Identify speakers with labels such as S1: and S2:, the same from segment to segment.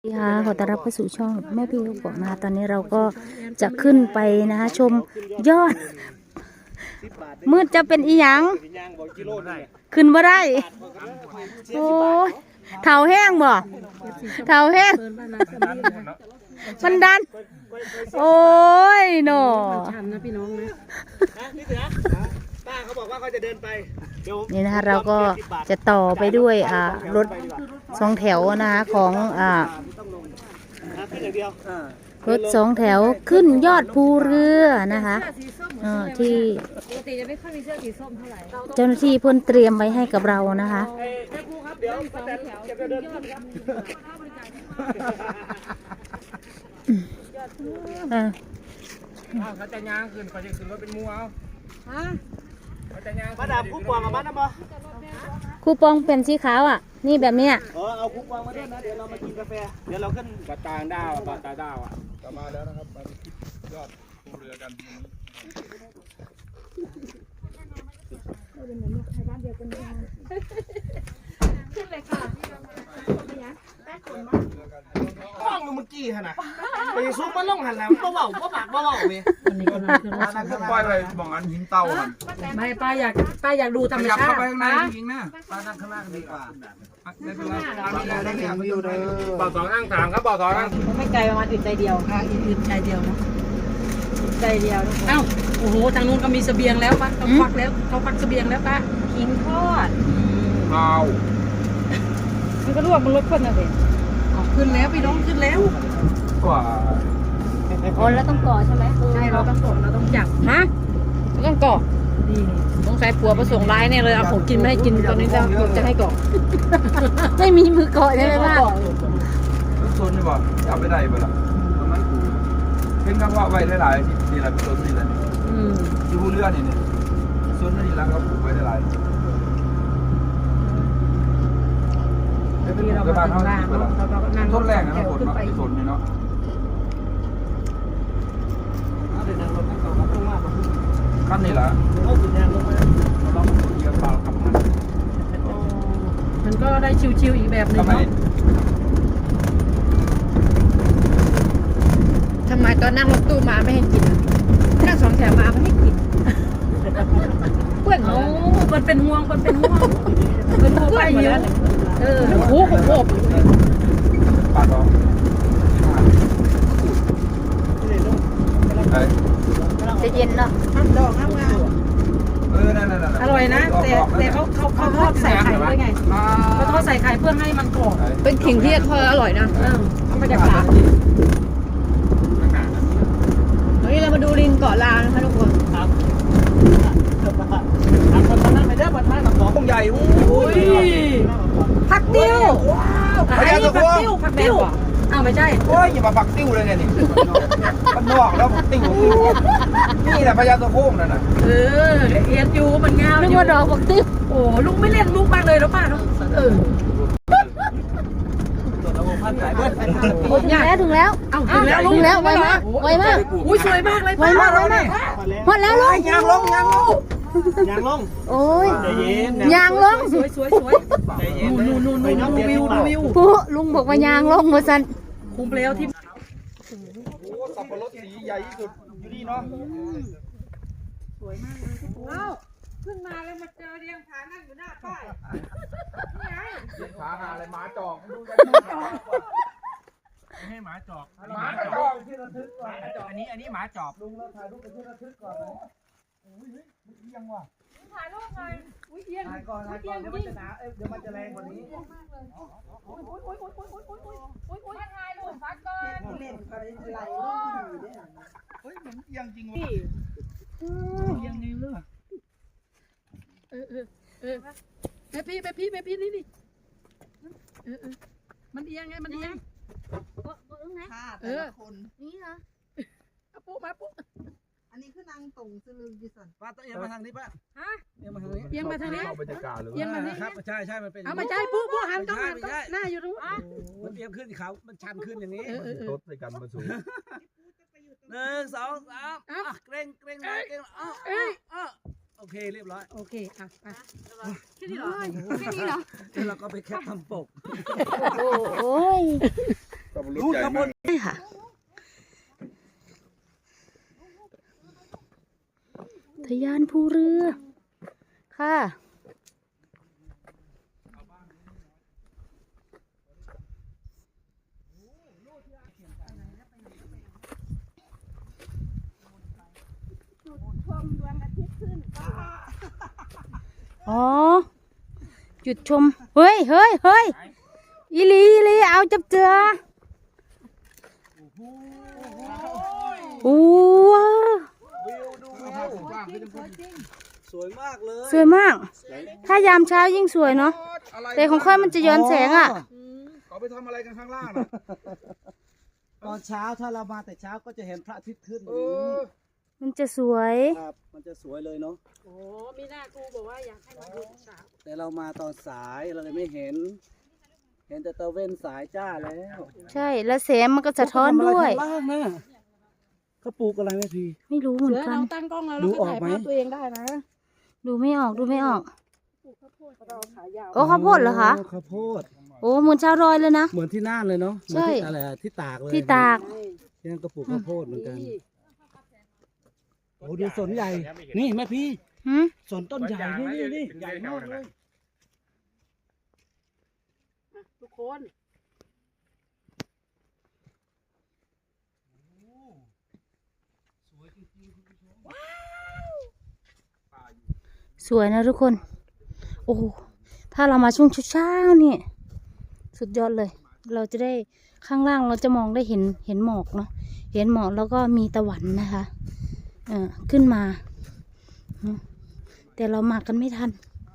S1: สวัสดีค่ะขอต้อนรับเข้าสู่ช่องแม่พี่ลูกบอกนะคะตอนนี้เราก็จะขึ้นไปนะคะชมยอดมืดจะเป็นอีหยังขึ้นบ่ได้โอ้ยเท้าแห้งบ่เท้าแห้งมันดันโอ้ยหนอชันนะพี่น้องนะ
S2: ป้าเขาบอกว่าเขาจะเดินไป
S1: นี่นะคะเราก็จะต่อไปด้วยรถสองแถวนะคะของรถสองแถวขึ้นยอดภูเรือนะคะที่เจ้าหน้าที่เพิ่นเตรียมไว้ให้กับเรานะคะ
S3: เขาจะย่างขึ้นเขาจะขึ้นรถเป็นมูเอา
S2: มาดามคู่ปองกับบ้านนะบอ
S1: คูปองเป็นสีขาวอ่ะนี่แบบเนี้ย
S2: เอาคู่ปองมาด้วยนะเดี๋ยวเรามากินกาแฟเดี๋ยวเราขึ้น
S3: ปลาตางดาวปลาตาดาวอ่ะจะมาแล้วนะครับมาคิดยอดภูเรือกัน
S4: ขึ้นเลยค่ะ
S2: ห้องเมื่อกี้ฮะนะไปซุปมันล่องหันแล้วเบาๆปากเบาๆเว้ย
S3: ปล่อยไปบอกอันหินเตาครับ
S4: ไม่ป้าอยากดูธรรมชาติ
S3: เข้าไปข้างในจริงๆนะป้านั่งข้างล่างดีกว่าได้เป็นไรได้เห็นวิวเลยบ่อสองนั่งถามครับบ่อสองนั่ง
S4: ไม่ไกลประมาณอึดใจเดียวค่ะอึดใจเดียวนะใจเดียวเอ้าโอ้โหทางนู้นก็มีเสบียงแล้วป้าเขาควักแล้วเขาควักเสบียงแล้วป้าขิงทอด
S3: เอา
S4: มันก็ลวกมันลดคนนะเว้ยขึ้นแล้วพี่น้องขึ้นแล้ว
S3: กว่า
S1: อ๋อแล้วต้องก่อใช่ไหม
S4: ใช่เราต้องกดเราต้องจับ
S1: ฮะต้องก่อ
S4: ดี
S1: ต้องใช้ผัวประสงค์ร้ายเนี่ยเลยเอาของกินไม่ให้กินตอนนี้จะให้ก่อไม่มีมือก่อใช่ไหมล่ะ
S3: โซนนี่บอกจับไม่ได้เปล่าตรงนั้นเห็นคำว่าไว้หลายๆที่หลายโซนนี่แหละที่ภูเรือนี่โซนนี่แล้วก็ปลูกไว้หลาย
S4: ที่เราไปถึงบ้านเราก็นั่ง
S3: ต้นแรกนะฝนเนาะที่ฝนนี่เนาะขั้นนี่แหละ
S4: มันก็ได้ชิวๆอีกแบบหนึ่งเนาะ
S1: ทำไมตอนนั่งรถตู้มาไม่ให้กินนั่งสองแถวมาไม่ให้กิน
S4: เพื่อนโอ้มันเป็นห่วงเป็นห่วงไปเยอะโอ้โห
S3: ปาดออก
S1: จะเย็นเนาะ
S4: ดอกงามอร่อยนะแต่เขาทอดใส่ไข่ด้วยไงเขาทอดใส่ไข่เพื่อให้มันกรอบ
S1: เป็นขิงที่ทอดอร่อยนะ
S4: เขาไม่ได้ปลา
S1: วันนี้เรามาดูลิงเกาะลาวนะคะทุกคน
S2: ครับคนนั้นไปเด้อบัดท้ายกับของใหญ่โอ้ย
S4: ผักติ้ว
S3: พญาตะโก
S4: ผักติ้วอ้าวไม่ใช่
S3: โอ้ยอย่ามาปักติ้วเลยเนี่ยนี่มันนอกแล้วติ้วนี่แหละพญาตะโกนั่นน่ะ
S4: เอ็นยูมันงาม
S1: นึกว่าดอกผักติ้ว
S4: โอ้ลุงไม่เล่นมุกมากเลยแล้วป้าเนาะ
S1: ถึงแล้ว
S4: ถึงแล้ว
S1: ไวมาก
S4: อุ้ยสวยมากเลย
S1: ไวมากหมดแล้วลุง
S2: ยางลง
S1: โอ้ยยางลง
S4: สวยนู่นวิว
S1: ปุ๊ลุงบอกว่ายางลงมาสัน
S4: คุ้มแล้วที่
S3: สับปะรดสีใหญ่ที่สุดอยู่นี่เนาะ
S4: สวยมากเลยเอ้าขึ้นมาแล้วมาเจอเรียงผานั่งอยู่หน้าป้ายนี่ไง
S3: เรียงผาหาอะไรหมาจอกให้หมาจอกที่ระทึกก่อนอันนี้หมาจอบลุงเราถ่ายรูปเป็นที่ระทึกก่อนนะอุ้ยเอียงว่ะ
S4: ถ่ายรูปหน่อยอุ้ยเอียง
S2: ถ่ายก่อนเดี๋ยวมันจะหนาเดี๋ยวมันจะแรงกว่านี้
S4: อุ้ยถ่ายรูปพักก่อน
S2: เล่นอะไรเฮ้ยมันเอียงจริงว่ะเอียงนิ้วเลย
S4: แม่พี่นี่มันเอียงไงมันเอียง
S5: แต่ละคน
S1: นี่เหรอ
S4: ปุ๊มาปุ๊
S5: อันนี้คือนางตงสลึงดิสัน
S2: ป้าต้องเอียงมาทางนี้ป้า
S4: เอียงมาทางนี้เอียงมาทางนี้
S2: ครับใช่มันเป็น
S4: เอามาใจปุ๊หันต้องหน้าอยู่ตรง
S2: มันเอียงขึ้นเขามันชันขึ้นอย่างนี้
S3: รถในกันมาสูง
S2: 1 2 3เกรงโอเคเรียบร้อย
S4: โอเค
S1: แค่นี้เหรอ
S2: แล้วเราก็ไปแคปทำปก
S1: โอ้ย
S3: รถใหญ่มาก
S1: ใช่ค่ะทะยานภูเรือค่ะอ๋อจุดชมเฮ้ยอีหลีเอาจับเจือโอ้ว้า
S2: สวยมากเลย
S1: สวยมาก ถ้ายามเช้ายิ่งสวยเนาะแต่ของค่อยมันจะย้อนแสงอ่ะ
S3: เขาไปทำอะไรกันข้างล่างน่ะ
S2: ตอนเช้าถ้าเรามาแต่เช้าก็จะเห็นพระอาทิตย์ขึ้น
S1: มันจะสวย
S2: ครับมันจะสวยเลยเนาะ
S4: โอ้มีหน้าครูบอกว่าอยากให้มาดูเช้า
S2: แต่เรามาตอนสายเราเลยไม่เห็น เห็นแต่ตะเว้นสายจ้าแล้ว
S1: ใช่แล้วแสงมันก็สะท้อนด้วย
S2: เขาทำอะไรข้างล่างนะเขาปลูกอะไรไหมพี่
S1: ไม่รู้เหมือน
S4: เสือ
S1: กัน
S4: เราตั้งกล้องแล้ว
S2: ดู
S4: เราก็
S2: ออก
S4: ถ่าย
S2: ไหม
S4: ภาพตัวเองได้นะ
S1: ดูไม่ออก
S4: เราขายาว
S1: โอ้ข้าวโพดเหรอคะ
S2: ข้าวโพด
S1: โอ้เหมือนชาวรอยเลยนะ
S2: เหมือนที่น่านเลยเนาะ
S1: ใช่
S2: เหมือนที่อะไรอะที่ตากเลย
S1: ที่ตาก
S2: ที่นั่นก็ปลูกข้าวโพดเหมือนกันโอ้ดูสนใหญ่ นี่แม่พี่
S1: หืม
S2: สนต้นใหญ่นี่ใหญ่มากเลย
S4: ทุกคน
S1: สวยนะทุกคน โอ้ถ้าเรามาช่วงเช้าๆนี่สุดยอดเลย เราจะได้ข้างล่างเราจะมองได้เห็นหมอกเนาะเห็นหมอกแล้วก็มีตะวันนะคะขึ้นมาแต่เรามากันไม่ทัน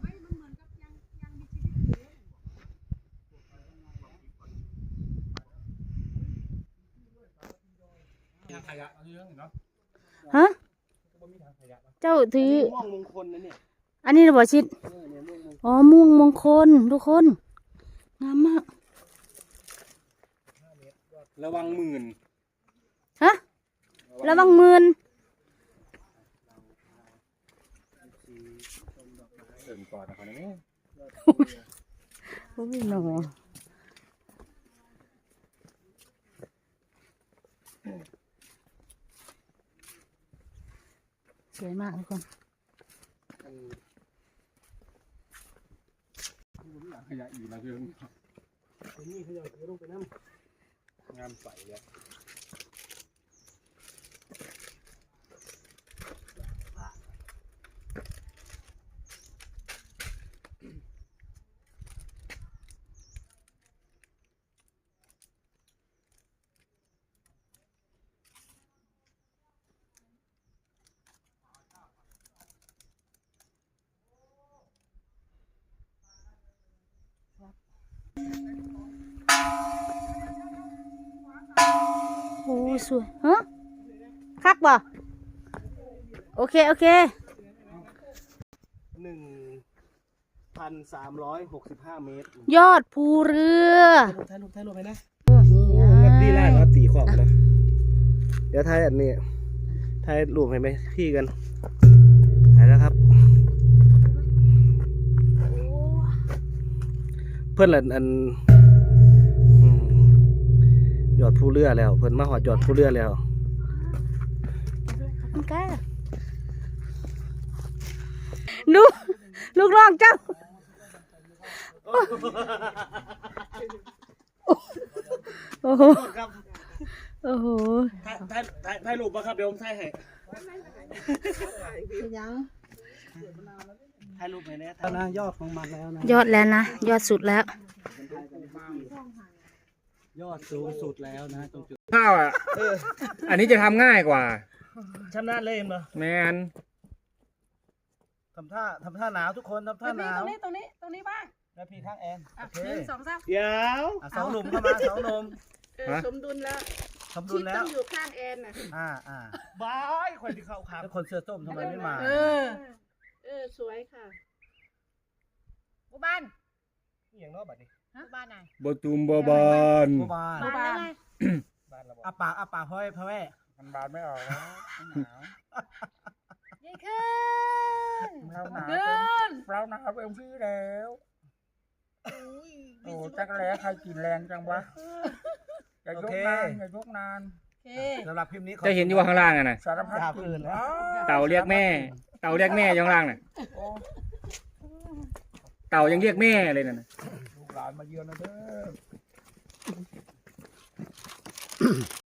S1: ฮะ เจ้าถือ
S2: ม่วงมงคลนะเนี่ย
S1: อันนี้เราบอกชิด อ๋อ ม่วงมงคลทุกคน งามมาก
S3: ระวังหมื่น
S1: ฮะ ระวังหมื่น
S3: เสริมก่อนนะครับนี่
S1: โอ้ยหนอสวยมากทุกคน
S3: ขยะอีกแล้วเพื่อน
S2: นี่เขาจะลงไปน้ำ
S3: งามใสเลย
S1: โอ้สวย ฮะ คักบ่โอเค
S2: 1,365 เมตร
S1: ยอดภูเรือ
S2: ถ่ายรูปไปนะ
S1: นี่ไง
S2: ดีแรกเราตีขอบนะ เดี๋ยวถ่ายอันนี้ถ่ายรูปให้ไหมพี่กันถ่ายแล้วครับ เพื่อนอันยอดผู้เรือแล้ว เพื่อนมาหอดยอดผู้เรือแล้ว
S1: ขอบคุณค่ะดูลูกน้องเจ้า โอ้โห
S2: ครับ
S1: โอ้โห
S2: ถ่ายรูปป่ะครับเดี๋ยวผมถ่ายให้
S5: ยัง
S2: ถ่ายรูปให้นะนะยอดของมันแล้วนะ
S1: ยอดแล้วนะ ยอดสุดแล้ว
S2: ยอดสูงสุดแล้วนะตรงจุด
S3: ข้าวอ่ะอันนี้จะทำง่ายกว่า
S2: ชำนาญเล่มเหรอ
S3: แมน
S2: ทำท่าหนาวทุกคนทำท่าหนาว
S4: ตรงนี้บ้าง
S2: แม่พี่ข้างแอน
S4: อ่ะ
S2: โอเค
S4: 1 2 3
S2: เดี๋ยวสองหนุ่มเข้ามาสองหนุ่ม
S4: สมดุลแล้ว
S2: สมดุลแล้ว
S4: ต้องอยู่ข้างแอนน่ะ
S2: บายคนที่เข้าครับแล้วคนเสื้อส้มทำไมไม่มา
S4: สวยค่ะ
S5: บุบ้าน
S2: นี่อย่างนอกบัดนี้
S5: บุบ้านไหน
S3: บตุมบอบาน
S2: บัวบาน
S5: บ้านแล้วไง
S2: บ้านเราอาปากพ่อแม่
S3: มันบานไม่ออกแล้วหนาว
S5: ยิ่งขึ้น
S3: เราหนาวเราหนาวเต็มที่แล้วโอ้จักรแล้ใครกินแรงจังวะอย่ายกนานอย่ายกนาน
S4: โอเค
S2: สำหรับคลิปนี้ข
S6: จะเห็นอยู่ว่าข้างล่างอะนะ
S3: สารพัด
S2: ยาวเกินแล้ว
S6: เต่าเรียกแม่ เต่าเรียกแม่อยู่ข้างล่างน่ะ
S3: โอ้
S6: เต่ายังเรียกแม่เลยน่ะ
S3: ลูกหลานมาเยือนนะเด้อ